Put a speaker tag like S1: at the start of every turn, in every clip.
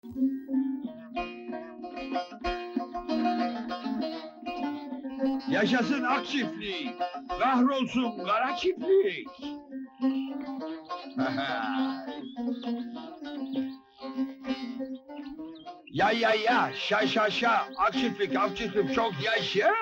S1: Yaşasın ak çiftlik, kahrolsun kara çiftlik. Ya, şa, ak çiftlik çok yaşa.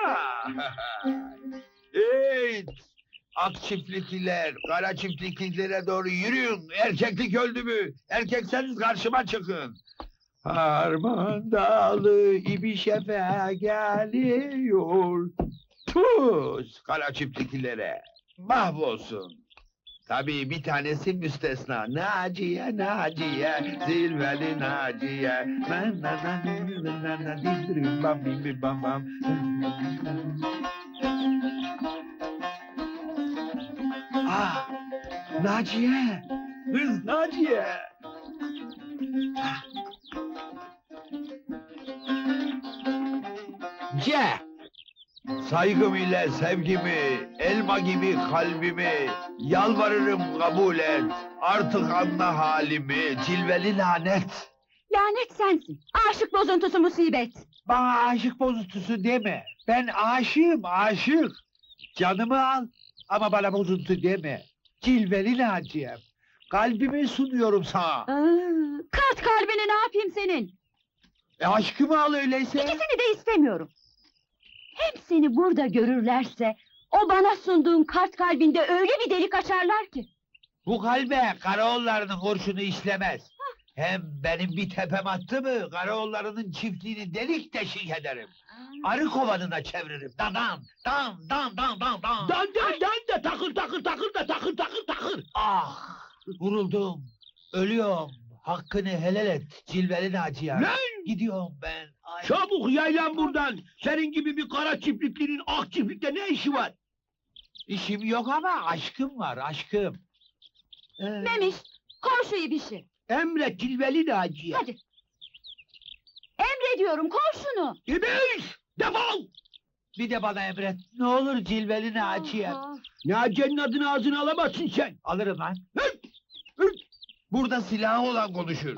S1: Evet, ak çiftlikliler, kara çiftliklilere doğru yürüyün. Erkeklik öldü mü? Erkekseniz karşıma çıkın. Harman Dağı İbişefe geliyor. Tuz kara çiftlikilere. Mahvolsun. Tabii bir tanesi müstesna. Naciye, zilveli Naciye. Ah, Naciye, kız Naciye. C. Saygım ile sevgimi, elma gibi kalbimi, yalvarırım kabul et. Artık anla halimi, cilveli lanet.
S2: Lanet sensin. Aşık bozuntusu musibet.
S1: Bana aşık bozuntusu deme. Ben aşığım, aşık. Canımı al ama bana bozuntu deme. Cilveli Naciye'm. Kalbimi sunuyorum sana.
S2: Kart kalbini ne yapayım senin?
S1: Aşkımı al öyleyse.
S2: İkisini de istemiyorum. Hem seni burada görürlerse, o bana sunduğun kart kalbinde öyle bir delik açarlar ki.
S1: Bu kalbe Karaoğulları'nın kurşunu işlemez. Hem benim bir tepem attı mı, Karaoğulları'nın çiftliğini delik deşik ederim. Arı kovanına çeviririm. Dan.
S3: Dan de takır.
S1: Ah! Vuruldum, ölüyorum. Hakkını helal et, cilveli Naciye.
S3: Lan!
S1: Gidiyorum ben. Ay.
S3: Çabuk yaylan buradan. Senin gibi bir kara çiftliklinin ak çiftlikte ne işi var?
S1: İşim yok ama aşkım var, aşkım.
S2: Memiş, koy şu ibişi.
S3: Emret cilveli Naciye.
S2: Hadi. Emrediyorum, koy şunu.
S3: İbiş! Defol!
S1: Bir de bana emret, ne olur cilveli Naciye.
S3: Naciye'nin adını ağzına alamazsın sen.
S1: Alırım lan.
S3: Hırt!
S1: Burada silahı olan konuşur.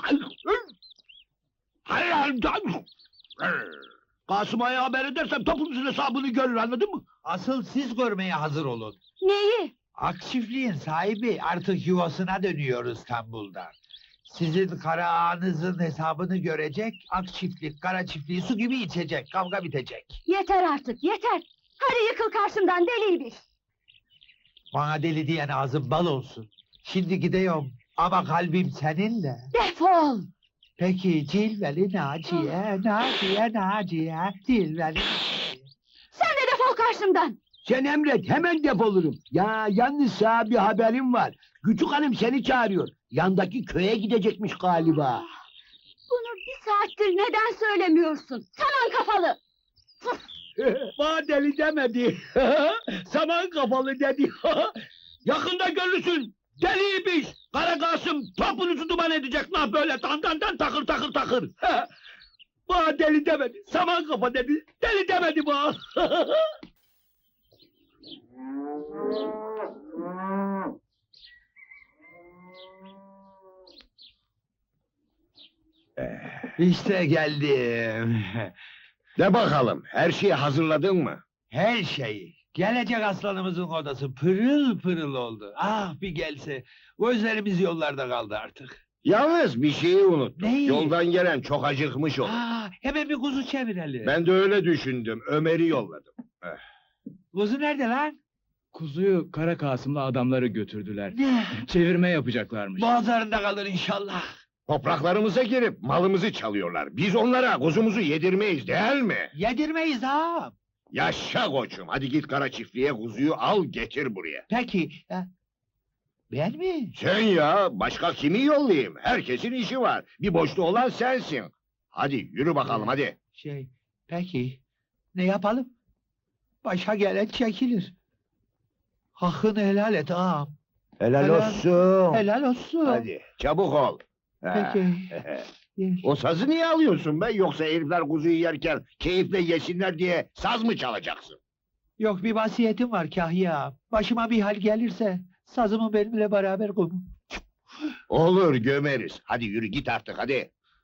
S3: Kasım'a haber edersem topunuzun hesabını görür, anladın mı?
S1: Asıl siz görmeye hazır olun.
S2: Neyi?
S1: Ak çiftliğin sahibi artık yuvasına dönüyor İstanbul'da. Sizin kara ağanızın hesabını görecek, ak çiftlik, kara çiftliği su gibi içecek, kavga bitecek.
S2: Yeter artık, yeter. Hadi yıkıl karşımdan deli ibiş.
S1: Bana deli diyen ağzın bal olsun. Şimdi gidiyorum ama kalbim seninle.
S2: Defol!
S1: Peki cilveli Naciye, Naciye, cilveli Naciye.
S2: Sen de defol karşımdan!
S3: Sen emret, hemen defolurum. Ya yalnız sana bir haberim var. Küçük hanım seni çağırıyor. Yandaki köye gidecekmiş galiba.
S2: Bunu bir saattir neden söylemiyorsun? Saman kafalı!
S3: Bana deli demedi. Saman kafalı dedi. Yakında görürsün. Deliymiş. Kara Kasım topunuzu duman edecek lan böyle dan takır. Bana deli demedi. Saman kafa dedi. Deli demedi bana.
S1: İşte geldim.
S4: De bakalım, her şeyi hazırladın mı?
S1: Her şeyi. Gelecek aslanımızın odası pırıl pırıl oldu. Ah bir gelse. Gözlerimiz yollarda kaldı artık.
S4: Yalnız bir şeyi unuttum.
S1: Neyi?
S4: Yoldan gelen çok acıkmış olur.
S1: Hemen bir kuzu çevirelim.
S4: Ben de öyle düşündüm, Ömer'i yolladım.
S1: Kuzu nerede lan?
S5: Kuzuyu Kara Kasım'la adamları götürdüler.
S1: Ne?
S5: Çevirme yapacaklarmış.
S1: Boğazlarında kalır inşallah.
S4: Topraklarımıza girip malımızı çalıyorlar. Biz onlara kuzumuzu yedirmeyiz değil mi?
S1: Yedirmeyiz ağam.
S4: Yaşa koçum, hadi git kara çiftliğe kuzuyu al getir buraya.
S1: Peki. Ben mi?
S4: Sen ya, başka kimi yollayayım? Herkesin işi var. Bir boşluğu olan sensin. Hadi yürü bakalım hadi.
S1: Peki. Ne yapalım? Başa gelen çekilir. Hakkını helal et ağam.
S4: Helal
S1: Helal-
S4: olsun.
S1: Helal olsun.
S4: Hadi çabuk ol. Ha.
S1: Peki.
S4: O sazı niye alıyorsun be? Yoksa herifler kuzuyu yerken keyifle yesinler diye saz mı çalacaksın?
S1: Yok bir vasiyetim var Kahya. Başıma bir hal gelirse sazımı benimle beraber koyun.
S4: Olur gömeriz. Hadi yürü git artık hadi.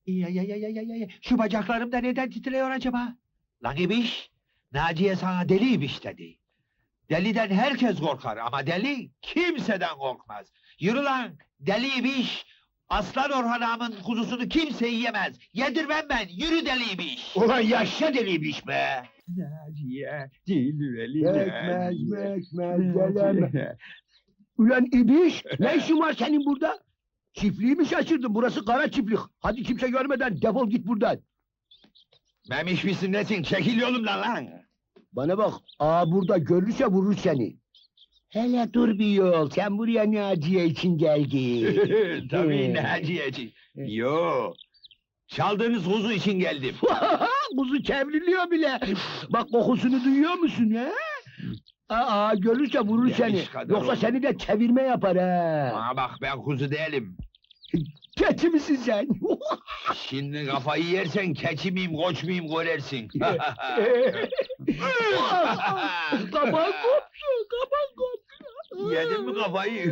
S1: Şu bacaklarım da neden titriyor acaba? Lan İbiş, Naciye sana deli İbiş dedi. Deliden herkes korkar ama deli kimseden korkmaz. Yürü lan, deli İbiş! Aslan Orhan Ağam'ın kuzusunu kimse yiyemez. Yedirmem ben, yürü deli İbiş!
S4: Ulan yaşa deliymiş be!
S3: Naciye, cilveli
S4: Bekmez, geleme.
S3: Ulan İbiş, ne işin var senin burada? Çiftliği mi şaşırdın? Burası kara çiftlik. Hadi kimse görmeden defol git buradan.
S4: Memiş misin nesin? Çekil yolumdan lan!
S3: Bana bak, burada görürse vurur seni.
S4: Hele dur bir yol, sen buraya Naciye için geldin.
S3: Tabii,
S4: Naciye. Yo, çaldığınız kuzu için geldim.
S3: Kuzu çevriliyor bile. Bak kokusunu duyuyor musun ha? Görürse vurur
S4: Yemiş
S3: seni.
S4: kadar
S3: Yoksa
S4: oldu.
S3: seni de çevirme yapar ha.
S4: Bana bak ben kuzu değilim.
S3: Keçi misin sen?
S4: Şimdi kafayı yersen keçi miyim, koç muyum görersin.
S3: Kapan koptu, kapan koptu.
S4: Yedin mi kafayı?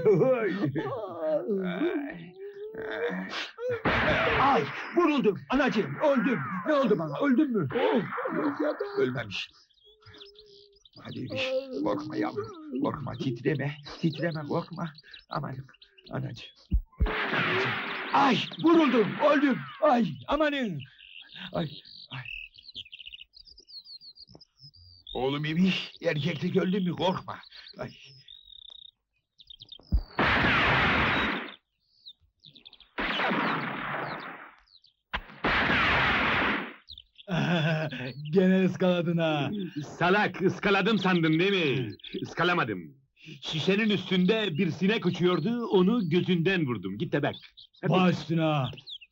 S1: Ay, vuruldum, anacığım, öldüm. Ne oldu bana, öldüm mü?
S4: Ölmemiş. Hadi İbiş, korkma yavrum, korkma, titreme, korkma. Aman, anacığım.
S1: Ay, vuruldum, öldüm. Ay, amanın.
S4: Ay. Oğlum İbiş, erkeklik öldü mü korkma. Ay.
S5: Gene ıskaladın ha.
S6: Salak, ıskaladım sandın değil mi? Iskalamadım. Şişenin üstünde bir sinek uçuyordu, onu gözünden vurdum. Git de bak. Hadi.
S5: Baş üstüne ha.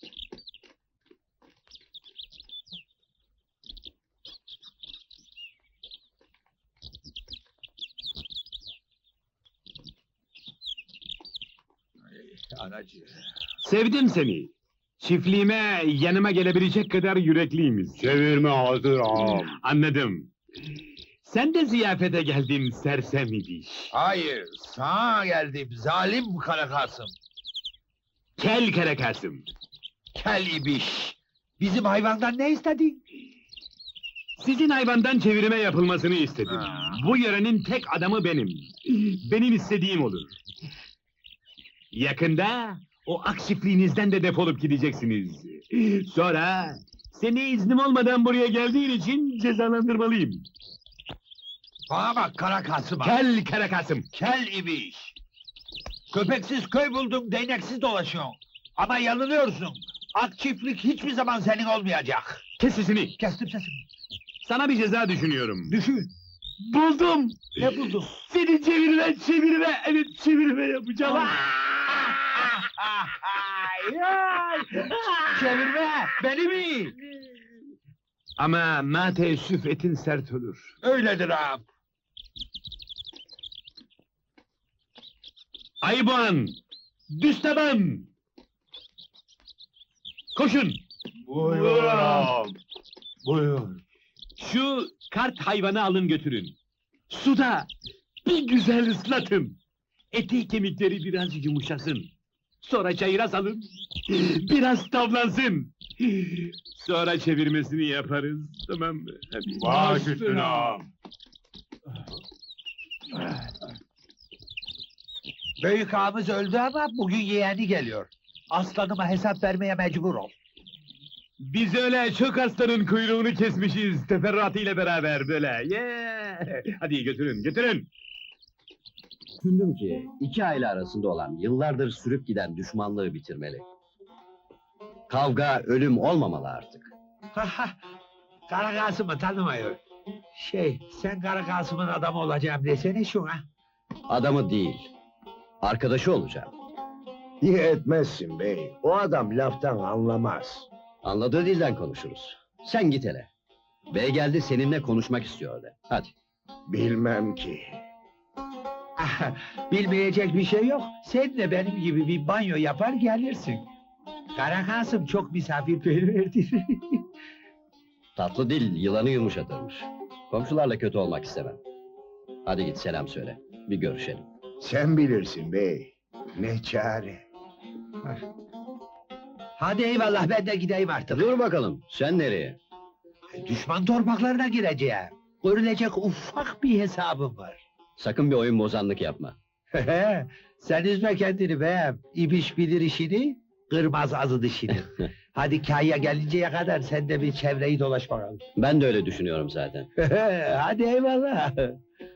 S4: Anacığım.
S6: Sevdim seni. Çiftliğime, yanıma gelebilecek kadar yürekliyimiz.
S4: Çevirme hazır ağam.
S6: Anladım. Sen de ziyafete geldin sersem İbiş.
S4: Hayır, sana geldim, zalim Kara Kasım.
S6: Kel kara Kasım.
S4: Kel İbiş.
S1: Bizim hayvandan ne istedin?
S6: Sizin hayvandan çevirme yapılmasını istedim.
S4: Ha.
S6: Bu yörenin tek adamı benim. Benim istediğim olur. Yakında o ak çiftliğinizden de defolup gideceksiniz. Sonra seni iznim olmadan buraya geldiğin için cezalandırmalıyım.
S4: Bana bak Kara Kasım'a.
S6: Kel kara Kasım.
S4: Kel İbiş. Köpeksiz köy buldum, değneksiz dolaşıyorsun. Ama yanılıyorsun. Ak çiftlik hiçbir zaman senin olmayacak.
S6: Kes sesini.
S1: Kestim sesimi.
S6: Sana bir ceza düşünüyorum.
S1: Düşün.
S6: Buldum.
S1: Ne buldun?
S6: Seni çevirme yapacağım.
S1: Çevirme, beni mi?
S6: Ama ma teessüf etin sert olur.
S4: Öyledir ağam.
S6: Ayıboğan! Düsteban! Koşun!
S4: Buyur ağam. Buyur.
S6: Şu kart hayvanı alın götürün. Suda bir güzel ıslatın. Eti kemikleri biraz yumuşasın. Sonra çayıra salın. Biraz tavlansın. Sonra çevirmesini yaparız. Tamam mı? Hadi.
S4: Baş üstüne ağam.
S1: Büyük ağamız öldü ama bugün yeğeni geliyor. Aslanıma hesap vermeye mecbur ol.
S6: Biz öyle çok hastanın kuyruğunu kesmişiz. Teferruatıyla beraber böyle. Hadi götürün, götürün.
S7: Düşündüm ki iki aile arasında olan yıllardır sürüp giden düşmanlığı bitirmeli. Kavga, ölüm olmamalı artık.
S1: Kara Kasım'ı tanımıyor. Sen Kara Kasım'ın adamı olacağım desene şuna.
S7: Adamı değil, arkadaşı olacağım.
S4: İyi etmezsin bey. O adam laftan anlamaz.
S7: Anladığı dilden konuşuruz. Sen git hele. Bey geldi seninle konuşmak istiyor de. Hadi.
S4: Bilmem ki.
S1: Bilmeyecek bir şey yok. Sen de benim gibi bir banyo yapar gelirsin. Kara Kasım çok misafirperverdir.
S7: Tatlı dil yılanı yumuşatırmış. Komşularla kötü olmak istemem. Hadi git selam söyle. Bir görüşelim.
S4: Sen bilirsin bey. Ne çare.
S1: Hadi eyvallah, ben de gideyim artık.
S7: Dur bakalım, sen nereye?
S1: Düşman torpaklarına gireceğim. Görülecek ufak bir hesabım var.
S7: Sakın bir oyun bozanlık yapma.
S1: Sen üzme kendini be. İbiş bilir işini, kırmaz azı dişini. Hadi kâya gelinceye kadar sen de bir çevreyi dolaş bakalım.
S7: Ben de öyle düşünüyorum zaten.
S1: Hadi eyvallah.